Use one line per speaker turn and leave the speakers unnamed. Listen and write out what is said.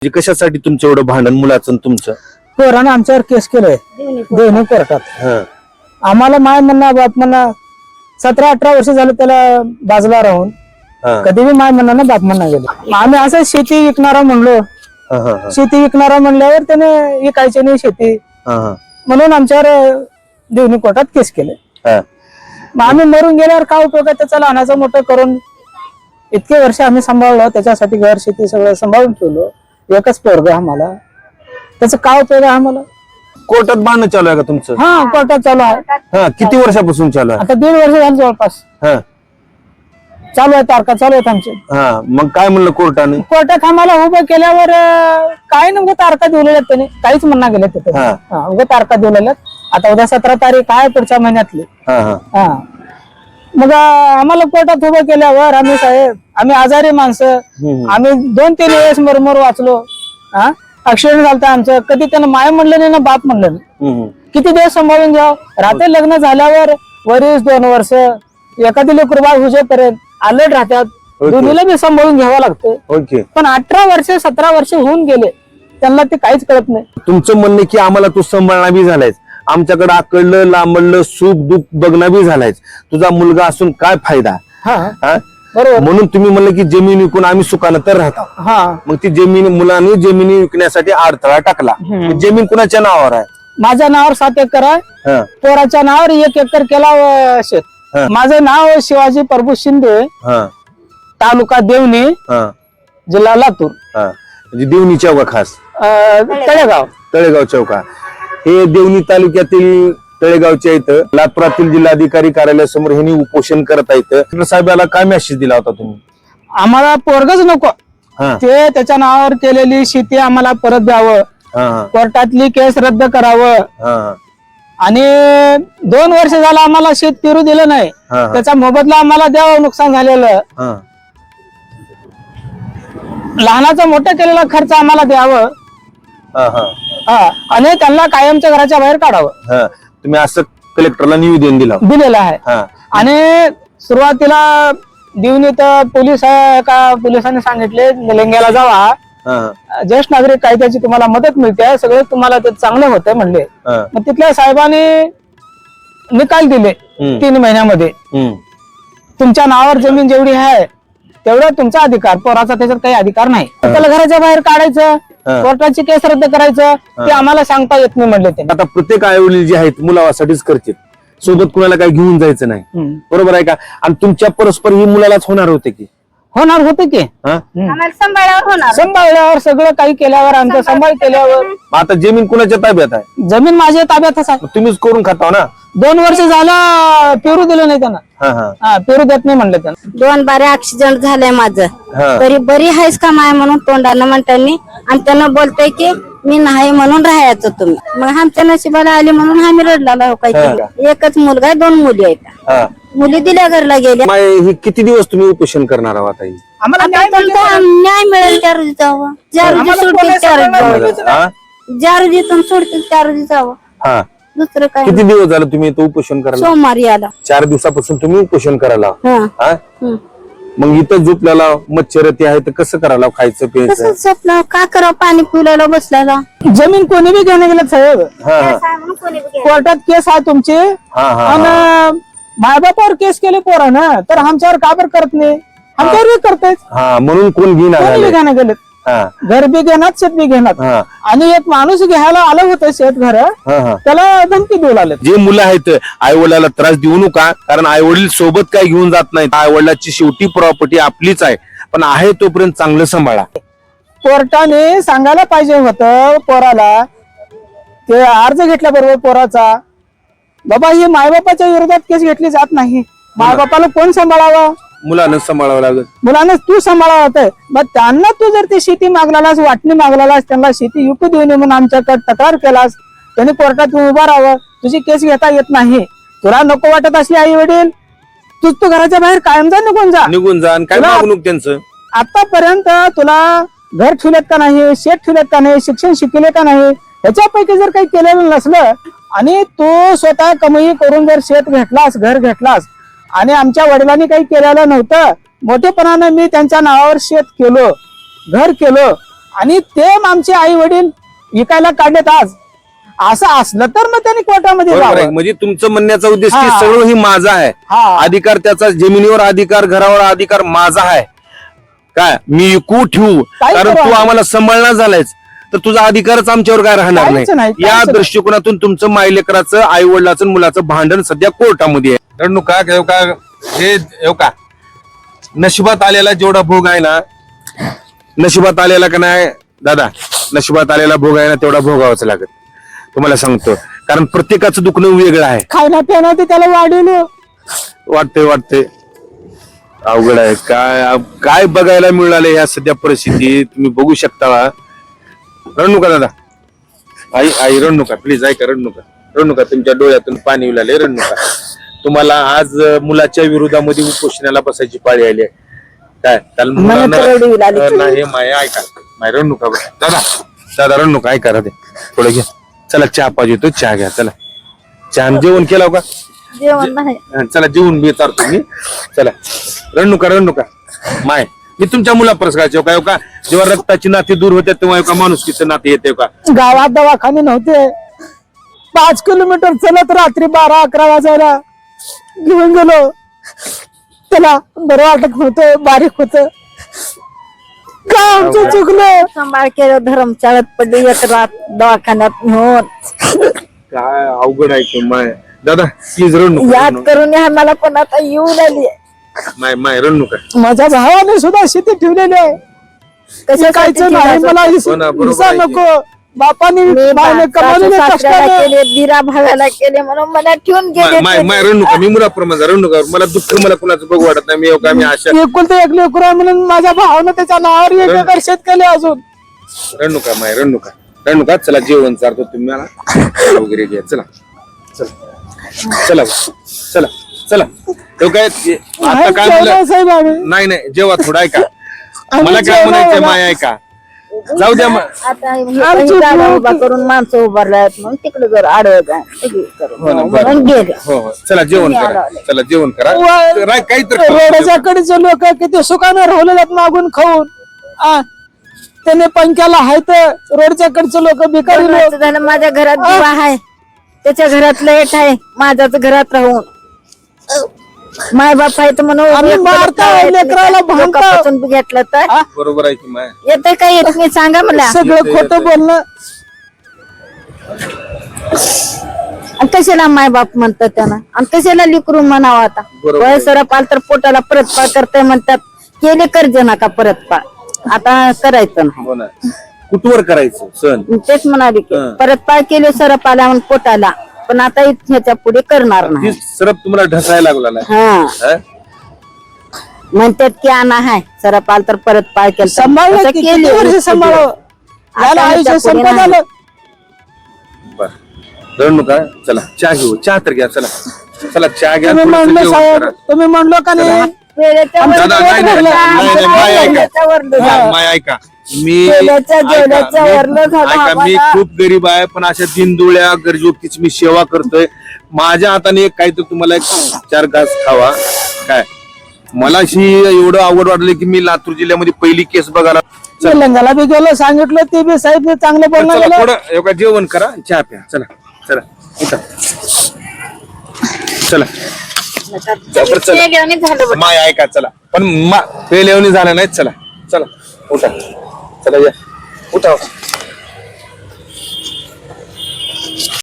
म्हणजे कशासाठी तुमचं एवढं भांडण मुलाचं तुमचं?
पोरानं आमच्यावर केस केलंय दोन्ही कोर्टात. आम्हाला माय म्हणणं बाप म्हणणं 17-18 वर्ष झालं त्याला बाजूला राहून कधी बी माय म्हणणं बाप म्हणणं गेले. आम्ही असं शेती विकणारा म्हणलो, शेती विकणारा म्हणल्यावर त्याने विकायची नाही शेती म्हणून आमच्यावर दोन्ही कोर्टात केस केले. मग आम्ही मरून गेल्यावर काय उपयोग आहे त्याचा? लहानाचं मोठं करून इतके वर्ष आम्ही सांभाळलं, त्याच्यासाठी घर शेती सगळं सांभाळून ठेवलं. एकच पोरग आम्हाला, त्याचा काय उपयोग आहे आम्हाला?
कोर्टात भांडण चालू आहे का तुमचं?
हा, कोर्टात चालू आहे.
किती वर्षापासून चालू आहे?
आता 1.5 वर्ष झालं जवळपास चालू आहे. तारखा चालू आहेत आमचे.
मग काय म्हणलं कोर्टाने?
कोर्टात आम्हाला उभं केल्यावर काय नेमकं तारखा दिलेल्या त्याने काहीच म्हणणं गेले तिथे. उभं तारखा दिलेल्या. आता उद्या 17 तारीख आहे पुढच्या महिन्यातली. मग आम्हाला कोर्टात उभं केल्यावर आम्ही साहेब, आम्ही आजारी माणसं, आम्ही 2-3 वेळेस मरमर वाचलो. ऍक्सिडेंट झालता आमचं. कधी त्यानं माय म्हणलं नाही ना बाप म्हणलं नाही. किती दिवस सांभाळून घ्याव? रात्री लग्न झाल्यावर 2 वर्ष एखादी लेकरू बाळ हुजेपर्यंत अलर्ट राहतात. दोन्हीला बी सांभाळून घ्यावं लागतं. पण 18 वर्ष 17 वर्ष होऊन गेले, त्यांना ते काहीच कळत नाही.
तुमचं म्हणणं की आम्हाला तू सांभाळणं बी झालायच, आमच्याकडे आकडलं लांबडलं सुख दुःख बघणं बी झालायच, तुझा मुलगा असून काय फायदा?
बरोबर.
म्हणून तुम्ही म्हणलं की जमीन विकून आम्ही सुखानं तर राहतो. मग ती जमीन मुलांनी जमिनी विकण्यासाठी अडथळा टाकला. जमीन कुणाच्या नावावर आहे?
माझ्या नावावर 7 एकर आहे. पोराच्या नावावर 1 एकर केला शेत. माझं नाव शिवाजी प्रभू शिंदे, तालुका देवणी, जिल्हा लातूर.
म्हणजे देवणी चौका खास
तळेगाव.
तळेगाव चौका हे देवणी तालुक्यातील तळेगावच्या इथं लातूरातील जिल्हाधिकारी कार्यालयासमोर ह्यांनी उपोषण करत आहेत. साहेबाला काय मेसेज दिला होता तुम्ही?
आम्हाला पोरगच नको, ते त्याच्या नावावर केलेली शेती आम्हाला परत द्यावं, कोर्टातली केस रद्द करावं. आणि 2 वर्ष झालं आम्हाला शेत पेरू दिलं नाही, त्याचा मोबदला आम्हाला द्यावं. नुकसान झालेलं लहानाचा मोठा केलेला खर्च आम्हाला द्यावं. आणि त्यांना कायमच्या घराच्या बाहेर काढावं.
तुम्ही असं कलेक्टरला निवेदन दिलेलं
आहे. आणि सुरुवातीला देवणीत पोलिसांनी सांगितले निलंग्याला जावा, ज्येष्ठ नागरिक कायद्याची तुम्हाला मदत मिळते, सगळं तुम्हाला ते चांगलं होतं म्हणले. मग तिथल्या साहेबांनी निकाल दिले 3 महिन्यामध्ये, तुमच्या नावावर जमीन जेवढी आहे तेवढं तुमचा अधिकार, पोराचा त्याच्यात काही अधिकार नाही. त्याला घराच्या बाहेर काढायचं, कोर्टाची केस रद्द करायचं, ते आम्हाला सांगता येत नाही म्हणले ते.
आता प्रत्येक आई वडील जे आहेत मुलावासाठीच करतात, सोबत कुणाला काही घेऊन जायचं नाही. बरोबर आहे का? आणि तुमच्या परस्पर ही मुलालाच होणार होते की?
होणार होते की. सांभाळल्यावर सगळं काही केल्यावर, आमचा सांभाळ केल्यावर.
आता जमीन कुणाच्या ताब्यात आहे?
जमीन माझ्या ताब्यातच आहे.
तुम्हीच करून खाता ना.
2 वर्ष झालं पेरू दिलं नाही त्यांना. पेरू देत नाही म्हणलं त्यांना.
2 बारे ऍक्सिडेंट झालंय माझं, तरी बरी आहेस का माय म्हणून तोंडानं म्हणतानी, आणि त्यांना बोलतोय की मी नाही म्हणून राहायचं तुम्ही. मग आमच्या नशिबाला आली म्हणून आम्ही रडला. काय केलं? एकच मुलगा आहे, 2 मुली आहेत. मुली दिल्या घरला गेल्या.
हे किती दिवस तुम्ही उपोषण करणार आहात?
आम्हाला
न्याय मिळेल त्या रोजी जावं, ज्या रोजी सोडतील त्या रोजी जावं, ज्या रोजीतून सोडतील त्या रोजी जावं. दुसरं काय?
किती दिवस झालं तुम्ही इथं उपोषण करायला?
सोमवारी आला.
4 दिवसापासून तुम्ही उपोषण करायला. मग इथं झोपल्याला मच्छर ते आहे तर कसं करायला? खायचं प्यायचं
कसं झोपलं? का करावं? पाणी पिवल्याला बसल्याला.
जमीन कोणी बी घेणे गेलं साहेब. कोर्टात केस आहे तुमची, आणि मायबापावर केस केले पोरानं, तर आमच्यावर का बरं करत नाही? आमच्यावर बी करतायच.
म्हणून कोण
घेणं गेले? घर बी घेणार, शेत बी घेणार. आणि एक माणूस घ्यायला आलं होतं शेत घर, त्याला धमकी देऊ लागले.
जे मुलं आहेत आई वडिलाला त्रास देऊ नका, कारण आई वडील सोबत काय घेऊन जात नाहीत. आई वडिलाची शेवटी प्रॉपर्टी आपलीच आहे, पण आहे तोपर्यंत चांगलं सांभाळा.
कोर्टाने सांगायला पाहिजे होतं पोराला, ते अर्ज घेतल्याबरोबर पोराचा, बाबा ही मायबापाच्या विरोधात केस घेतली जात नाही, मायबापाला कोण सांभाळावं?
मुलानं सांभाळावं लागत.
मुलांना तू सांभाळावं होतं. मग त्यांना तू जर ती शेती मागलास, वाटणी मागलास, त्यांना शेती विकू देऊ नये म्हणून आमच्याकडे तक्रार केलास, त्यांनी कोर्टात उभा राहावं. तुझी केस घेता येत नाही, तुला नको वाटत असली आई वडील, तू घराच्या बाहेर कायम निघून जा. काय मागणूक त्यांचं? आतापर्यंत तुला घर ठेवलेत का नाही, शेत ठेवलेत का नाही, शिक्षण शिकले का नाही, ह्याच्यापैकी जर काही केलेलं नसलं, आणि तू स्वतः कमाई करून जर शेत घेतलास, घर घेतलास, आणि आमच्या वडिलांनी काही केलेलं नव्हतं, मोठेपणानं मी त्यांच्या नावावर शेत केलो, घर केलो, आणि ते आमचे आई वडील विकायला काढलेत आज. असं असलं तर मग त्यांनी कोर्टामध्ये
बरोबर आहे.
जावं.
म्हणजे तुमचं म्हणण्याचा उद्देश की
हा.
सगळं ही माझा आहे,
हा.
अधिकार त्याचा, जमिनीवर अधिकार, घरावर अधिकार माझा आहे. काय मी विकू ठेवू,
काय
कारण
करू
तू
आम्ही?
आम्हाला सांभाळणार झालायस तर तुझा अधिकारच आमच्यावर काय राहणार
काहीच नाही,
नाही.
काहीच
या
नाही.
दृष्टिकोनातून तुमचं मायलेकराचं, आई वडिलाचं, मुलाचं भांडण सध्या कोर्टामध्ये आहे. रडणू का हे का नशिबात आलेला जेवढा भोग आहे ना, नशिबात आलेला का नाही दादा, नशिबात आलेला भोग आहे ना तेवढा भोगावाच लागत. तुम्हाला सांगतो, कारण प्रत्येकाचं दुखणं वेगळं आहे.
खायला पिणं ते त्याला वाढवलं.
वाटते अवघड आहे. काय बघायला मिळाले ह्या सध्या परिस्थितीत तुम्ही बघू शकता. रडू नका दादा, आई रडू नका प्लीज, ऐका, रडू नका तुमच्या डोळ्यातून पाणी उलाले, रडू नका. तुम्हाला आज मुलाच्या विरोधामध्ये उपोषणाला बसायची पाळी आली आहे. काय त्याला नाही माया, ऐका माय, रडू नका दादा रडू नका, ऐका राहते थोडं घ्या. चला चहा पाहिजे तो, चहा घ्या. चला चहा जेवण केलं का?
जेवण नाही.
चला जेवून मी चालतो मी. चला रडू नका माय, मी तुमच्या मुला परस्काराचे का जेव्हा रक्ताची नाती दूर होते तेव्हा माणुसकीचं नाते येते का?
गावात दवाखाने नव्हते. 5 किलोमीटर चलत रात्री 12-11 वाजायला घेऊन गेलो. त्याला बरं वाटत नव्हतं, बारीक होत. का आमचं चुकलं?
सांभाळ केलं, धर्मशाळेत पडली, एक रात दवाखान्यात नेऊन.
काय अवघड आहे की माय. दादा प्लीज रडू
याद
नका
करून मला पण आता येऊन आली.
माय रडू नका.
माझ्या भावाने सुद्धा शेती ठेवलेली आहे. कायचं नाही मला
हो ना, बरोबर
हिस्सा
आहे की.
नको. बापाने बाईने कमावलेले कष्टाने
केले, दिरा भावाला केले म्हणून मला ठेवून गेले.
माय रडू नका, मी मुलाप्रमाणे रडू नका. मला दुःख, मला कुणाचं बघू वाटत नाही. मी आशा
एकुलते एक लेकरू आहे म्हणून माझ्या भावानं त्याच्या नावावर 1 एकर शेत केले. अजून
रडू नका माय, रडू नका. चला जेवण चारतो तुम्ही मला वगैरे घ्या. चला तो काय आता काय म्हणलं?
साहेब आम्ही
नाही जेव्हा थोडं ऐका, मला काय म्हणायचं माय, ऐका जाऊ द्या.
आता ही जागा उभा करून माणसं उभारल्यात म्हणून तिकडे जर आडवत म्हणून गेले.
हो चला जेवण करा, चला जेवण करा. काहीतरी
रोडच्या कडेचे लोक किती सुखाने राहिलेले आहेत मागून खाऊन. त्याने पंख्याला आहे तर रोडच्या कडचे लोक भिकारी लोक.
असं झालं, माझ्या घरात दिवा आहे, त्याच्या घरात लाईट आहे, माझ्याच घरात राहून माय बाप आहे तर म्हणून
आम्ही मारताय, लेकराला भांडताय.
घेतलं तर
बरोबर आहे की माय.
येते काय येत नाही सांगा मला.
सगळं खोटं बोलणं.
आणि कशाला माय बाप म्हणतात त्यांना, आणि कशाला लिकरून म्हणावं. आता
बरोबर आहे.
वय सरपाल तर पोटाला परतपाळ करताय म्हणतात. केले कर्ज नका परतपाळ, आता करायचं नाही.
हो ना, कुठवर करायचं सण?
तेच म्हणाले की
हं.
परतपाळ केले सरपाला म्हणून पोटाला, पण आता ह्याच्या पुढे करणार नाही.
ती सरप तुम्हाला ढसायला लागला ना.
हा म्हणतात की आणा हाय सरपाल तर परतपाळ केलं
सांभाळलं की किती वर्ष सांभाळावं. याला आयुष्य संपत आलं.
बर रडू नका. चला चहा घेऊ, चहा तर घ्या. चला चहा घ्या.
तुम्ही
थोडंसं
म्हणलं
जेवण
साहेब,
करा.
तुम्ही म्हणलो का नाही
वेळेच्या वर
दादा, नाही,
झालं.
माय ऐका.
वेळेच्या वर झालं.
माय ऐका, मी
जेवल्याच्या वरलं झालं
ऐका, मी
आम्हाला.
खूप गरीब आहे, पण अशा दिनदुळ्या गरजू व्यक्तीची मी सेवा करतोय. माझ्या हाताने एक काहीतरी तुम्हाला 4 घास खावा. काय मला अशी एवढं आवड वाटली की मी लातूर जिल्ह्यामध्ये पहिली केस बघायला.
तेलंगाला बी गेलो, सांगितलं ते बी साहेब चांगलं बोलणं
चला
गेलं.
थोडं एवढं जेवण करा, चहा प्या. चला उठा. चला
ते घेऊन झालं बघ.
माय ऐका. चला पण पेलेवणी झालं नाही. चला उठा. चला या उठा.